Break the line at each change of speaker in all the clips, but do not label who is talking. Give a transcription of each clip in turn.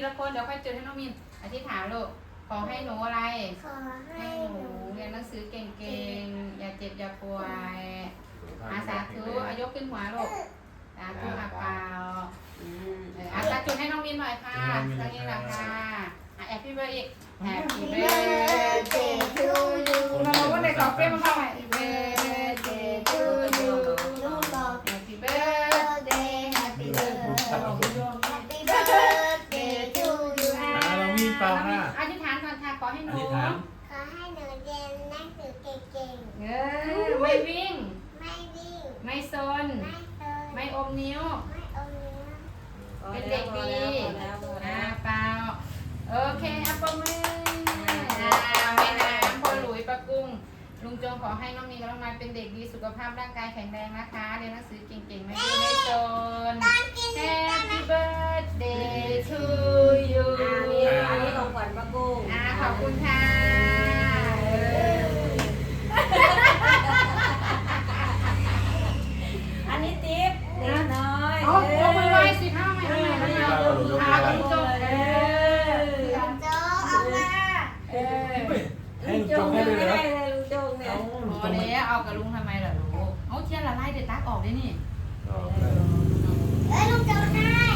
ละคนเดี๋ยวค่อยจุดให้น้องมินอธิษฐานลูกขอให้หนูอะไร
ขอให้
ให้ห
ห
นู
นู
เรียนหนังสือเก่งๆอย่าเจ็บอย่าป่วยสาธุอายกขึ้นหัวลูกสาธุอาเปล่าตาจุดให้น้องมินหน่อยค่ะตรงนี้แหละค่ะแอบพี่เบอร์อีกแฮปปี้เบิร์ดเดย์ทูยูมาบอกว่าในกรอบเฟรมมาบอกแฮปปี้เบิร์ดเดย์ทูยู
ลูกบอก
แฮปปี้เบิร์ดเดย์แฮปปี้เบิร์ดเดย์
Happy birthday to you
เรามีเปล่าค่ะ
อธิษฐานก่อนค่ะขอให้หนู
ขอให้หนูเรียนหนังสือเก่ง
ไม่วิ่ง
ๆไม่วิ่ง
ไม่ซน
ไม่เติน
ไม่อมนิ้ว
ไม่เอาเนื้อ
เป็นเด็กดีเปล่าโอเคอัปมือแม่น้ำพ่อหลุยป้ากุ้งลุงจงขอให้น้องมีกำลังมาเป็นเด็กดีสุขภาพร่างกายแข็งแรงนะคะเรียนหนังสือเก่งๆไม่ดื้อไม่ซน Happy birthday to you
อันนี้ของขวัญป้ากุ้ง
ขอบคุณค่ะ
อันนี้ติ๊บเด็กน้อย
เอาลงมือไว้สิข้าวใหม่เอาใหม่เอาลุงจง
ลุงโจเอามา
ให้
ลุง
จ
จ
ง
ง
ให้
ไม่
เลย
ได้
นะ
เลยลุงจงเนี่ย
พอแล้วเอากับลุงทำไมล่ะลูกเอาเทียนละลายเด็ดตักออกได้นี่
ลุงโจให้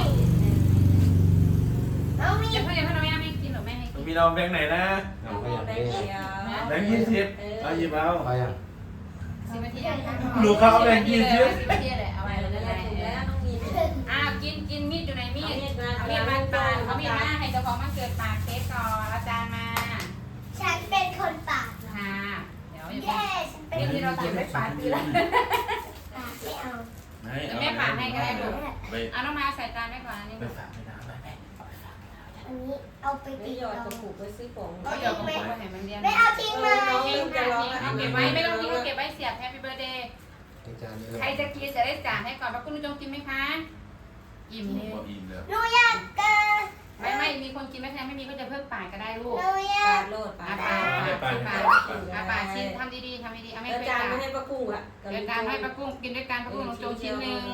น้องมี
อย่าเพิ่งทำไมไม่กินหรอแม่ให้กิน
มีน้องแบงค์ไหนนะ
เอาไปอย่างนี้
แบงค์20เอาหยิบเอา
ไปยัง
10 นาทีอ่ะ
ลูกเขาเอาแบงค์20
10 นาทีเลยเอา
ไป
ไป
แล้ว
เลย
ถูกแล้วต้องมี
กินมีดอยู่ไหนมีด
มีดมา
เอามีดมาปาดเอามีดมาให้เจ้าของมันเกิดปาดเค้กก่อนอาจารย์มา
ฉันเป็นคนปาก
ค่ะเดี๋ยว
เย้ฉันเป็น
นี่ที่เราเก็บไว้ปาดคืออะไร
ปากไม่เอา
แม่ปาดให้ก็ได้ลูก
ไป
เอาน้องมาใส่จานไว้ก่อนอันนี้
ไปฝากไปน้ำไป
อันนี้เอาไป
ไม่
ติด
หยอดกระปุกไปซื้อของ
เอาเดี๋ยวกระปุกไว้ให้มันเรียน
ไม่เอาทิ้งเลย
ทิ้งค่ะเอาเก็บไว้ไม่ต้องทิ้งเก็บไว้เสียบแฮปปี้เบิร์ดเดย์
จานนี้เลย
ใครจะกินจะได้จ่ายให้ก่อนว่าคุณลุงจงกินไหมคะอิ่ม
ผม
เลย
ก็อิ่มแล้ว
หนูอยากเกิน
ไม่มีคนกินไม่แพงไม่มีก็จะเพิ่มปาดก็ได้ลูก
หนูอยา
ปาก ดโลดปา
อา
ด
ปาปาชิ้นทำดีๆทำดีๆเอาไม่
แล้ว
เคย
จาน
ปา
ไม่ให้ป้ากุ้งอ่ะ
เดี๋ยวการให้ป้ากุ้งกินด้วยกันป้ากุ้งลงจงชิ้นหนึ่ง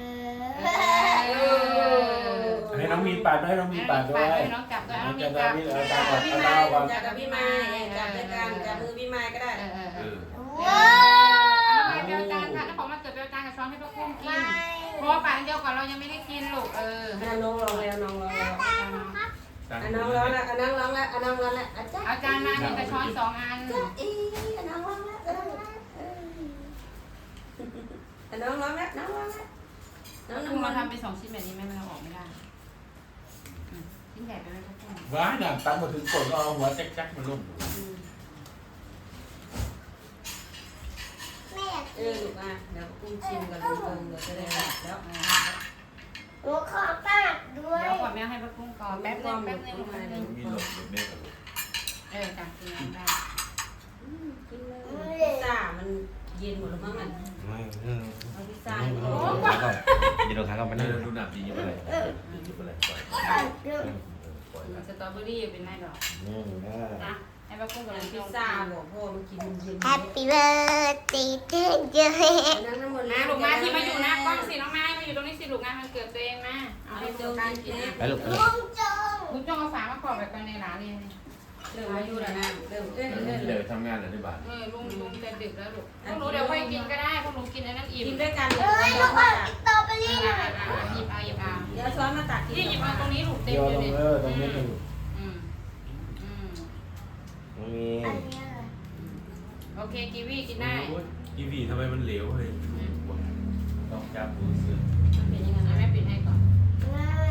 ให้น้องมีนปาดให้น้องมีนปาดด้วย
ให้น้องจับด้วยน้องมี
จะ
จับ
มี
จับ
เอา
พี่
ตา
ไม้
ก่อน
จับกับพี่ไม้จับด้วยกันจับมือพี่ไม้ก็ได้
ว้า
เอาไปเบลจานค่ะเจ้าของมาเกิดเบลจานกับช้อนให้ป้ากุ้งกิน
ไม่
เพราะว่าปาดเดียวก่อนเรายังไม่ได้กินลูก
น้องร้องแล้วน้องร้องแล้ว น้องร้องแล้วน้องร้องแล้วน้องร้องแล้วอาจารย์
เอาจานมามีกระช้อน2 อัน
อีน้องร้องแล้วน้องร้องแล้วน้องร้องแล้วน้อง
กุ้ง
ร้
เรา
อง
ทำเป็น2 ชิ้นแบบนี้ไหมมันเอาออกไม่ได้ชิ้นใหญ่ไปไหมป้ากุ้ง
ว้าหนังตั้งมาถึงกดก็เอาหัวแจ๊กๆมาลุ่ม
ไม่อยาก
ลูกอ่ะเดี๋ยวกุ้งชิมกันดูเดี๋ยวจะได้แล้ว
หนูขอปากด้วย
เดี๋ยวก่อนแม่ให้ป้ากุ้งก่อนแป๊บนึงแป๊บนึง
มีหลบแม่กับลูก
จับกินได้
กินเลยพิซซ่ามันเย็นหมดแล้วมั้งมัน
ไม่
เอาพิซซ่า
เดี๋ยวเราขาก็ไป
นี่
นั่ง
เราดูหนังดีอยู่อะไรดีอยู่อะไรปล่อยปล่อย
สตรอเบอรี่เป็นไงดอกนะให้ป้ากุ้งกับลุง
พิ
พิ
ซ
ซ
ซ่า
ซ่า
บอกพ่อมันกินเย็น
แฮปปี้เบิร์ดเดย์ทูยู
นั่งน้ำมัน
นะลูกมาที่มาอยู่นะกล้องสิน้องไม้มาอยู่ตรงนี้สิลูกงานมันเกิดตัวเองนะเอาให้ดูการกินนะ
ไปลูก
ลุงจง
คุณจ้องเอาฝามาขอบแบบกันในร้านเลย
เริ่มมาอยู่แล้วนะเริ่ม
เดี๋ยวทำงานในบ้าน
ลุงจะดึกแล้วลูกพวกหนูเดี๋ยวค่อยกินก็ได้พวกหนูกินอันนั้นอิ่ม
กินด้วยกัน
เอ้ยลูกเอาสตรอเบอรี่หน่อย
หยิบเอาหยิบเอา
เดี๋ยวช้อนมาตักกิน
ที่หยิบเอาตรงนี้ลูกเต็
เดี๋
ม
ยว
เลย
ลง
เนี่ย
ตรงนี้ตรง
อืม
นี้
อันเนี้ย
โอเคกีวีกินได้
กีวีทำไมมันเหลวเลยต้องจับดูเสื้อ
เป็นยังไง